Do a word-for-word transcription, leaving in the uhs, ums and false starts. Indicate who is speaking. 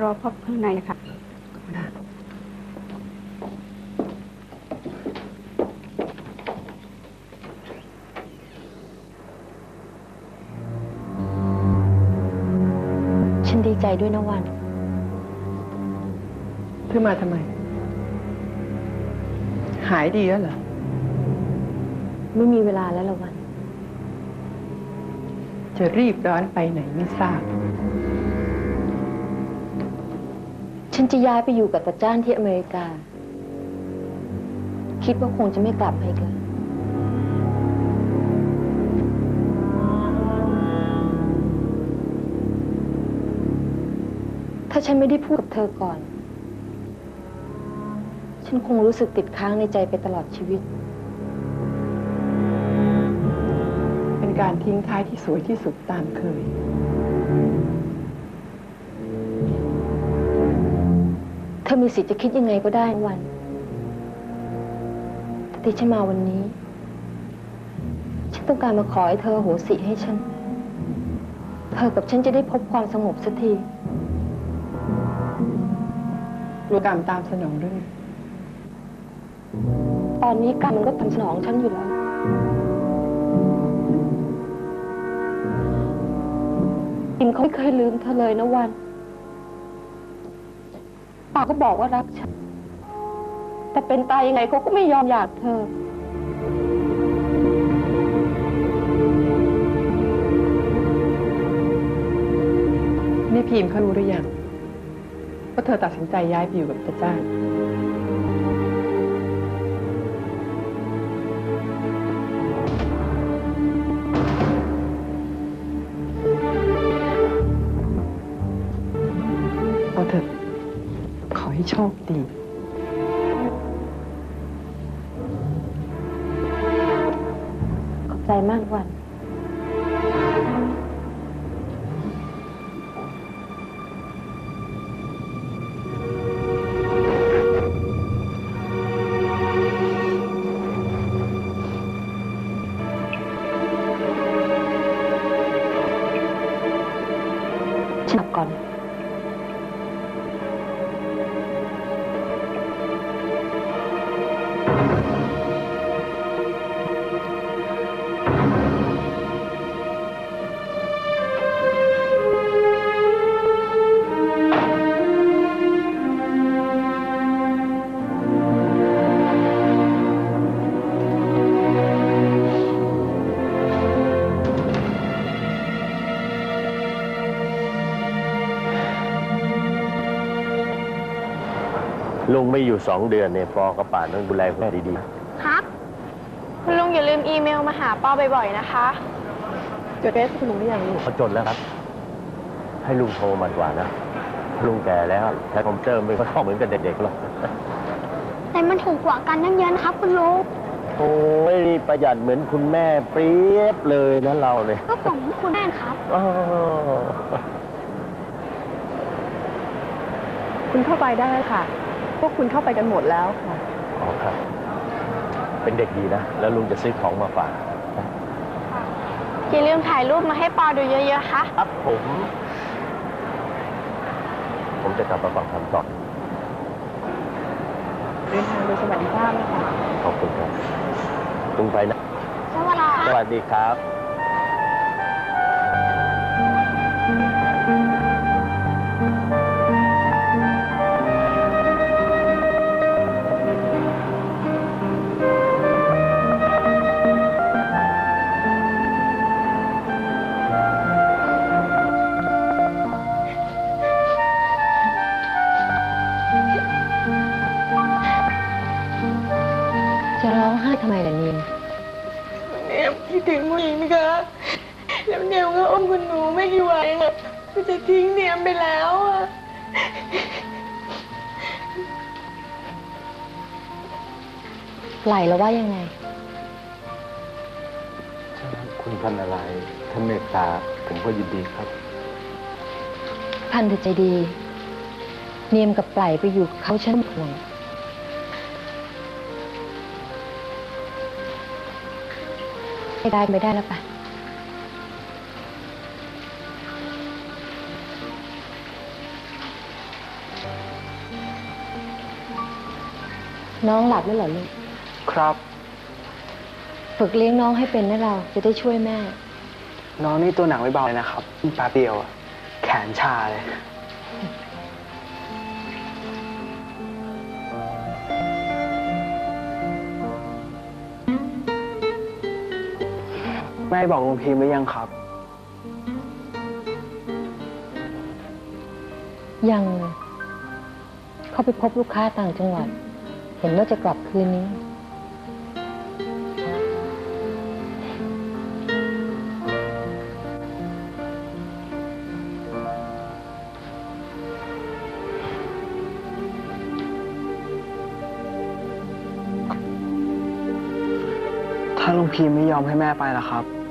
Speaker 1: รอพบข้างในค่ะ
Speaker 2: ฉันดีใจด้วยนะวัน
Speaker 3: เธอมาทำไมหายดีแล้วเหรอ
Speaker 2: ไม่มีเวลาแล้วละวัน
Speaker 3: จะรีบร้อนไปไหนไม่ทราบ
Speaker 2: ฉันจะย้ายไปอยู่กับตาจ้านที่อเมริกาคิดว่าคงจะไม่กลับมาอีกแล้วถ้าฉันไม่ได้พูดกับเธอก่อนฉันคงรู้สึกติดค้างในใจไปตลอดชีวิต
Speaker 3: เป็นการทิ้งท้ายที่สวยที่สุดตามเคย
Speaker 2: เธอมีสิทธิ์จะคิดยังไงก็ได้วันแต่ที่ฉันมาวันนี้ฉันต้องการมาขอให้เธอโหสิให้ฉันเธอกับฉันจะได้พบความสงบสักที
Speaker 3: กลัวกรรมตามสนองด้วย
Speaker 2: ตอนนี้กรรมมันก็ตามสนองฉันอยู่แล้วอิมเขาไม่เคยลืมเธอเลยนะวันปากก็บอกว่ารักฉันแต่เป็นตายยังไงเขาก็ไม่ยอมหย่าเธอ
Speaker 3: นี่พิมพ์เขารู้หรือยังว่าเธอตัดสินใจย้ายไปอยู่กับตาจ้านเอาเถอะขอให้โชคดี
Speaker 2: ขอบใจมากวันฉันกลับก่อน
Speaker 4: ลุงไม่อยู่สองเดือนเนี่ยปอกับป่านต้องดูแลแม่ดี
Speaker 5: ๆครับคุณลุงอย่าลืมอีเมลมาหาปอบ่อยๆนะคะ
Speaker 3: จดเฟซคุณลุงหรือยังลูก
Speaker 4: เขาจดแล้วครับให้ลุงโทรมาดีกว่านะลุงแก่แล้วใช้คอมพิวเตอร์ไม่ค่อยเหมือนกับเด็กๆหรอก
Speaker 5: แต่มันถูกกว่ากันตั้งเยอะนะครับคุณลุง
Speaker 4: โอ้ยประหยัดเหมือนคุณแม่เปรียบเลยนะเราเลย
Speaker 5: ก็ผมคุณแม่ครับ
Speaker 3: คุณเข้าไปได้ค่ะพวกคุณเข้าไปกันหมดแล้วค่ะ
Speaker 4: อ๋อครับเป็นเด็กดีนะแล้วลุงจะซื้อของมาฝาก
Speaker 5: อย่าลืมถ่ายรูปมาให้ปอดูเยอะๆค่ะ
Speaker 4: ครับผมผมจะกลับมาฟังคำตอบ
Speaker 3: เดินทางโดยสวัสดิภาพนะคะ
Speaker 4: ขอบคุณครับลุงไปนะ
Speaker 5: สวัสดี
Speaker 4: สวัสดีครับ
Speaker 2: จะร้องไห้ทำไมล่ะนิม
Speaker 6: เนียมคิดถึงผู้หญิงค่ะแล้วเนียมก็อ้อมคุณหนูไม่กี่วันอ่ะก็จะทิ้งเนียมไปแล้วอ่ะ
Speaker 2: ไหลแล้วว่ายังไง
Speaker 4: คุณพันอะไรท่านเมตตาผมก็ยินดีครับ
Speaker 2: พันเธอใจดีเนียมกับไหลไปอยู่เขาฉันห่วงไม่ได้ไม่ได้แล้วป่ะน้องหลับแล้วเหรอลูก
Speaker 1: ครับ
Speaker 2: ฝึกเลี้ยงน้องให้เป็นนะเราจะได้ช่วยแม่
Speaker 1: น้องนี่ตัวหนักไม่เบาเลยนะครับแป๊บเดียวอะแขนชาเลย แม่บอกลุงพิมพ์หรือยังครับ
Speaker 2: ยังเลยเขาไปพบลูกค้าต่างจังหวัด เห็นว่าจะกลับคืนนี้
Speaker 1: ถ้าลุงพิมพ์ไม่ยอมให้แม่ไปล่ะครับ